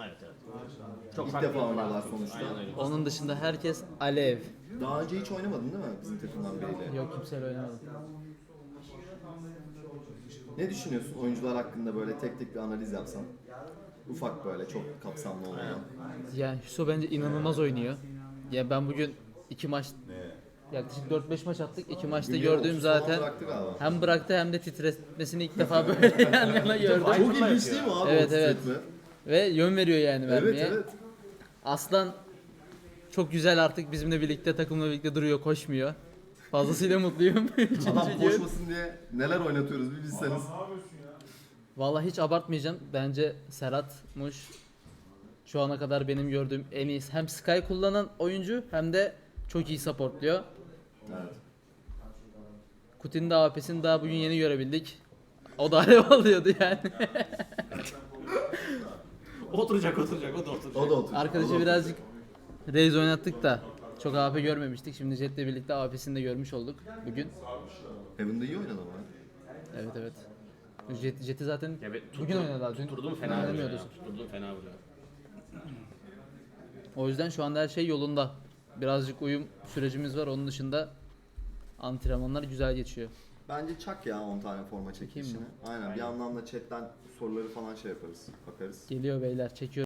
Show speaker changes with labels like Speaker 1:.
Speaker 1: Evet evet. Çok
Speaker 2: İlk
Speaker 1: farklı
Speaker 2: defa
Speaker 1: bir
Speaker 2: oynuyorlar
Speaker 1: fark.
Speaker 2: sonuçta.
Speaker 1: Aynen öyle.
Speaker 3: Onun dışında herkes alev.
Speaker 2: Daha önce hiç oynamadın değil mi bizim takımdan biriyle?
Speaker 3: Yok, kimseyle oynamadım.
Speaker 2: Ne düşünüyorsun oyuncular hakkında böyle tek tek bir analiz yapsan? Ufak böyle çok kapsamlı olmayan.
Speaker 3: Yani Hüso bence inanılmaz oynuyor. Ya ben bugün 2 maç, yaklaşık 4-5 maç attık. 2 maçta
Speaker 2: Bugün
Speaker 3: gördüğüm
Speaker 2: 30 falan
Speaker 3: zaten
Speaker 2: bıraktı galiba.
Speaker 3: hem bıraktı hem de titretmesini ilk defa böyle yan yana gördüm.
Speaker 2: Çok ilginç değil mi abi
Speaker 3: Evet,
Speaker 2: o
Speaker 3: evet.
Speaker 2: titretme?
Speaker 3: Ve yön veriyor yani
Speaker 2: Evet
Speaker 3: vermeye.
Speaker 2: evet.
Speaker 3: Aslan çok güzel, artık bizimle birlikte, takımla birlikte duruyor, koşmuyor. Fazlasıyla mutluyum.
Speaker 2: Adam
Speaker 3: Üçüncü gün.
Speaker 2: koşmasın diye neler oynatıyoruz bir bilseniz.
Speaker 3: Vallahi hiç abartmayacağım. Bence Serhat'mış şu ana kadar benim gördüğüm en iyi. Hem Sky kullanan oyuncu hem de çok iyi supportluyor.
Speaker 2: Evet.
Speaker 3: Kutin'in de AP'sini daha bugün yeni görebildik. O da alev alıyordu yani.
Speaker 1: Oturacak, o da oturacak.
Speaker 2: O da otur.
Speaker 3: Arkadaşı birazcık Raze oynattık da çok AP görmemiştik. Şimdi Jet'le birlikte AP'sini de görmüş olduk bugün.
Speaker 2: Heaven'da iyi oynadı ama.
Speaker 3: Evet evet. Jet'i zaten
Speaker 1: Evet,
Speaker 3: bugün oynadı abi. Dün
Speaker 1: Tutturdum fena vuruyor
Speaker 3: oynamıyordu.
Speaker 1: ya. Tutturdum fena vuruyor.
Speaker 3: O yüzden şu anda her şey yolunda. Birazcık uyum sürecimiz var. Onun dışında antrenmanlar güzel geçiyor.
Speaker 2: Bence çak ya 10 tane forma çekilişini.
Speaker 3: mı?
Speaker 2: Aynen. Bir yandan da chatten soruları falan şey yaparız. Bakarız.
Speaker 3: Geliyor beyler, çekiyor.